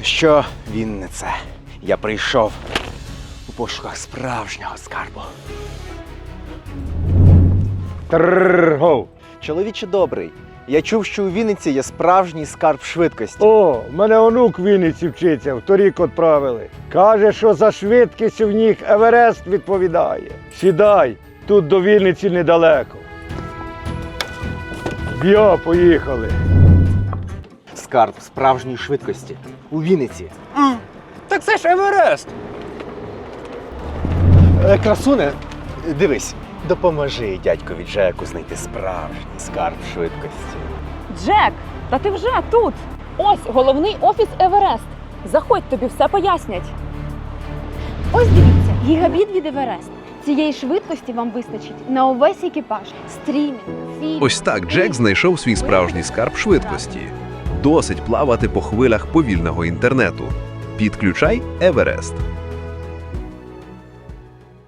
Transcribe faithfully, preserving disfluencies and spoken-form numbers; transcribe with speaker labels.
Speaker 1: Що, Віннице, я прийшов у пошуках справжнього скарбу.
Speaker 2: Трррргов.
Speaker 1: Чоловіче добрий, я чув, що у Вінниці є справжній скарб швидкості.
Speaker 2: О, в мене онук в Вінниці вчиться, вторік відправили. Каже, що за швидкість в них Еверест відповідає. Сідай, тут до Вінниці недалеко. Б'я, поїхали.
Speaker 1: Скарб справжньої швидкості у Вінниці.
Speaker 3: Так це ж Еверест!
Speaker 1: Е, красуне, дивись, допоможи дядькові Джеку знайти справжній скарб швидкості.
Speaker 4: Джек, та ти вже тут. Ось головний офіс Еверест. Заходь, тобі все пояснять.
Speaker 5: Ось дивіться, гігабіт від Еверест. Цієї швидкості вам вистачить на увесь екіпаж. Стрімінг, фільм.
Speaker 6: Ось так Джек знайшов свій справжній скарб швидкості. Досить плавати по хвилях повільного інтернету. Підключай Еверест.